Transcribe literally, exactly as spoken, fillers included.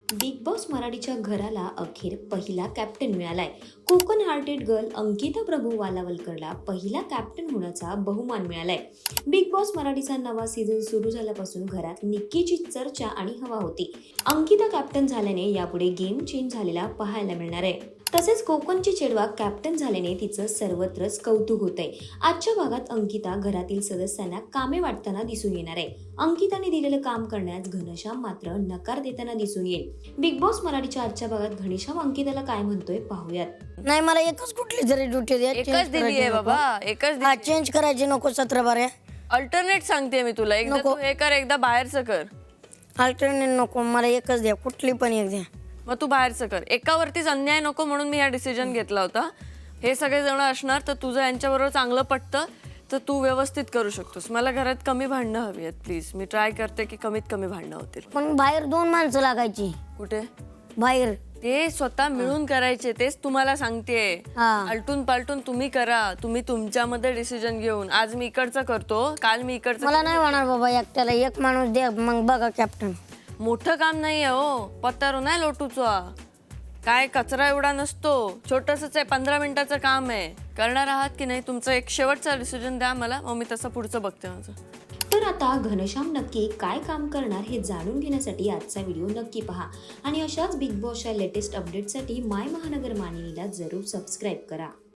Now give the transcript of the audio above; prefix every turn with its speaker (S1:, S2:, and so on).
S1: Big boss मराठीच्या घराला अखेर पहिला कॅप्टन मिळालाय. कोकण हार्टेड गर्ल अंकिता प्रभू वालावलकरला पहिला कॅप्टन होण्याचा बहुमान मिळालाय. बिग बॉस मराठीचा नवा सीझन सुरू झाल्यापासून घरात निक्कीची चर्चा आणि हवा होती. अंकिता कॅप्टन झाल्याने यापुढे गेम चेंज झालेला पाहायला मिळणार आहे. तसेच कोकणची चेडवा कॅप्टन झाल्याने तिचं सर्वत्रच कौतुक होतंय. आजच्या भागात अंकिता घरातील सदस्यांना कामे वाटताना दिसून येणार आहे. अंकिताने दिलेलं काम करण्यास घनश्याम मात्र नकार देताना दिसून येईल. बिग बॉस मराठीच्या आजच्या भागात घनश्याम अंकिताला काय म्हणतोय पाहूयात.
S2: नाही, मला एकच कुठली तरी ड्युटी द्या.
S3: एकच दिली आहे बाबा, एकच
S2: हा, चेंज करायची नको. सतरा बारा
S3: अल्टरनेट सांगते मी तुला. एकदा तू हे कर, एकदा बाहेरचं कर.
S2: अल्टरनेट नको, मला एकच द्या, कुठली पण एक द्या.
S3: मग तू बाहेरचं कर. एकावरतीच अन्याय नको म्हणून मी हा डिसिजन घेतला होता. हे सगळे जण असणार तर तुझं यांच्याबरोबर चांगलं पटतं तर तू व्यवस्थित करू शकतोस. मला घरात कमी भांडणं हवी आहेत प्लीज. मी ट्राय करते की कमीत कमी भांडणं होतील.
S2: पण बाहेर दोन माणसं लागायची.
S3: कुठे
S2: बाहेर
S3: ते स्वतः मिळून करायचे. तेच तुम्हाला सांगतेय.
S2: हा.
S3: आलटून पालटून तुम्ही करा. तुम्ही तुमच्यामध्ये डिसिजन घेऊन. आज मी इकडचं करतो, काल मी इकडचं.
S2: मला नाही होणार बाबा एकट्याला. एक माणूस द्या, मग बघा कॅप्टन.
S3: मोठं काम नाही आहे हो. पत्तारो नाही लोटूचा. काय कचरा एवढा नसतो. छोटंसंच आहे, पंधरा मिनिटाचं काम आहे. करणार आहात की नाही? तुमचं एक शेवटचा डिसिजन द्या मला, मग मी तसं पुढचं बघते माझं.
S1: तर आता घनश्याम नक्की काय काम करणार हे जाणून घेण्यासाठी आजचा व्हिडिओ नक्की पहा आणि अशाच बिग बॉसच्या लेटेस्ट अपडेटसाठी माय महानगर मानिनीला जरूर सबस्क्राईब करा.